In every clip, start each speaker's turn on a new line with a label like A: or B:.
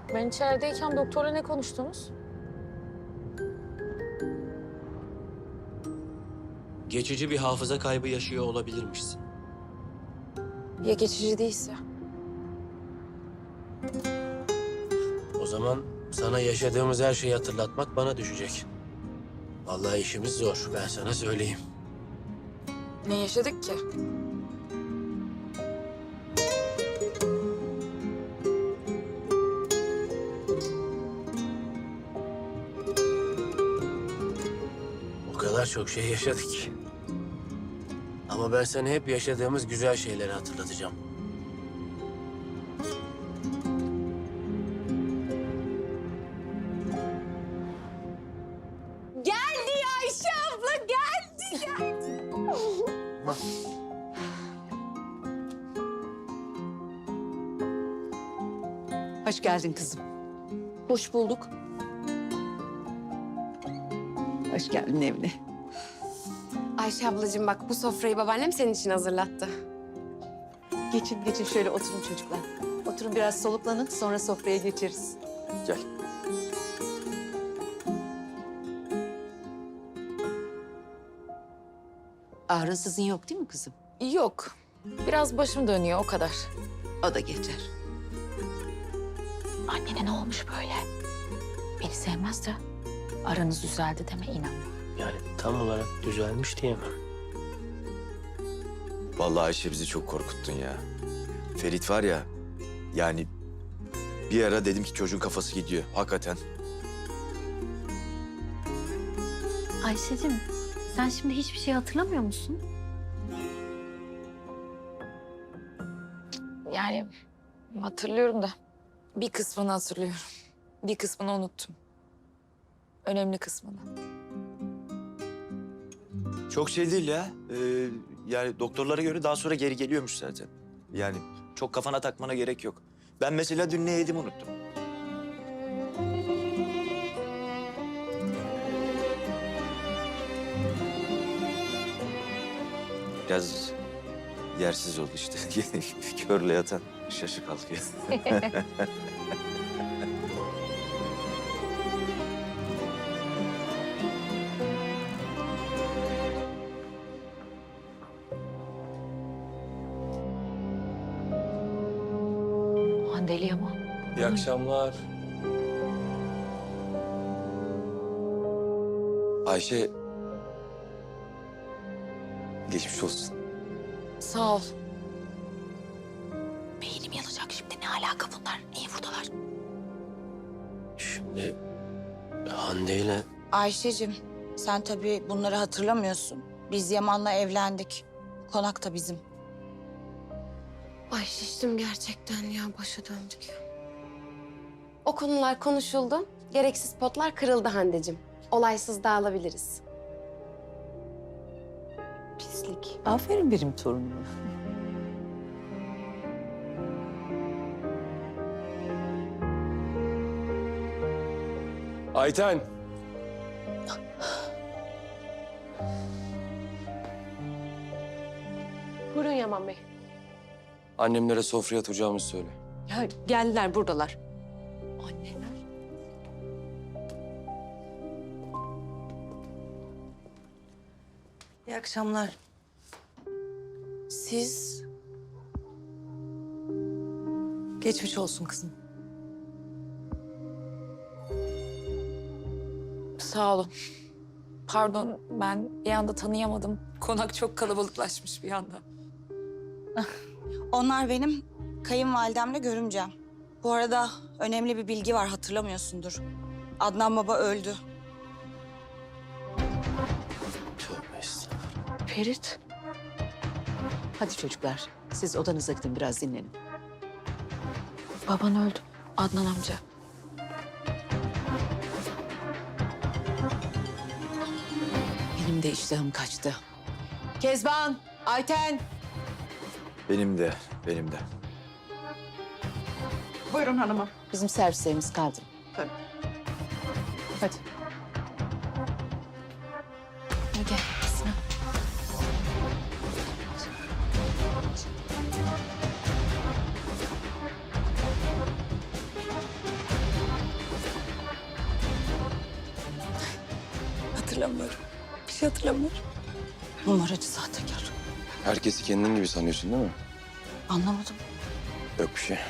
A: Ben içerideyken doktorla ne konuştunuz?
B: Geçici bir hafıza kaybı yaşıyor olabilirmişsin.
A: Ya geçici değilse?
B: O zaman sana yaşadığımız her şeyi hatırlatmak bana düşecek. Vallahi işimiz zor, ben sana söyleyeyim.
A: Ne yaşadık ki?
B: O kadar çok şey yaşadık ki. Ama ben sana hep yaşadığımız güzel şeyleri hatırlatacağım.
A: Geldi ya Ayşe abla, geldi.
C: Hoş geldin kızım.
A: Hoş bulduk.
C: Hoş geldin evine.
D: Ayşe ablacığım bak bu sofrayı babaannem senin için hazırlattı.
C: Geçin şöyle oturun çocuklar. Oturun biraz soluklanın sonra sofraya geçeriz.
B: Gel.
C: Ağrın sızın yok değil mi kızım?
A: Yok. Biraz başım dönüyor, o kadar.
C: O da geçer.
E: Annene ne olmuş böyle? Beni sevmez de aranız düzeldi deme inan.
B: Yani tam olarak düzelmiş diyemem.
F: Vallahi Ayşe bizi çok korkuttun ya. Ferit var ya, yani bir ara dedim ki çocuğun kafası gidiyor. Hakikaten.
E: Ayşe'cim sen şimdi hiçbir şey hatırlamıyor musun?
A: Yani hatırlıyorum da bir kısmını hatırlıyorum. Bir kısmını unuttum. Önemli kısmını.
F: Çok şey değil ya. Yani doktorlara göre daha sonra geri geliyormuş zaten. Yani çok kafana takmana gerek yok. Ben mesela dün ne yedim unuttum. Biraz yersiz oldu işte. Körle yatan şaşı kalkıyor.
E: Handeli ama.
B: İyi akşamlar.
F: Ayşe... Geçmiş olsun.
A: Sağ ol.
E: Beynim yanacak şimdi ne alaka bunlar? Niye buradalar?
B: Şimdi Hande ile
G: Ayşe'cim, sen tabii bunları hatırlamıyorsun. Biz Yaman'la evlendik. Konak da bizim.
D: Ay şiştim gerçekten ya başa döndük. O konular konuşuldu. Gereksiz potlar kırıldı Hande'cim. Olaysız dağılabiliriz. Pislik.
C: Aferin benim torunuma.
H: Ayten.
D: Buyurun Yaman Bey.
H: Annemlere sofraya oturacağımızı söyle.
C: Ya geldiler buradalar. Anneler. İyi akşamlar.
G: Siz
C: Geçmiş olsun kızım.
A: Sağ olun. Pardon, ben bir anda tanıyamadım. Konak çok kalabalıklaşmış bir anda.
G: onlar benim kayınvalidemle görümcem. Bu arada önemli bir bilgi var, hatırlamıyorsundur. Adnan baba öldü.
B: tövbe estağfurullah.
A: Ferit.
C: Hadi çocuklar siz odanıza gidin biraz dinlenin.
A: Baban öldü. Adnan amca.
C: Benim de iştahım kaçtı. Kezban, Ayten.
F: Benim de, benim de.
C: Buyurun hanımım. Bizim servislerimiz kaldı. Tabii. Hadi.
A: Gel Sinan.
G: hatırlamıyorum. Bir şey hatırlamıyorum. Numaracı sahtekar.
H: Herkesi kendin gibi sanıyorsun değil mi?
G: Anlamadım.
H: Yok bir şey.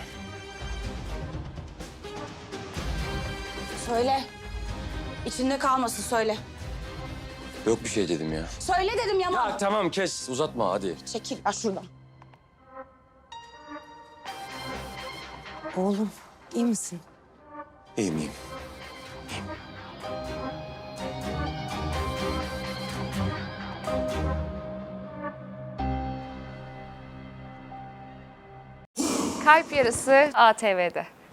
G: Söyle. İçinde kalmasın söyle.
H: Yok bir şey dedim ya.
G: Söyle dedim Yaman.
H: Ya tamam kes uzatma hadi.
G: Çekil ya şuradan. Oğlum iyi misin?
H: İyiyim iyiyim.
I: Kalp Yarısı ATV'de.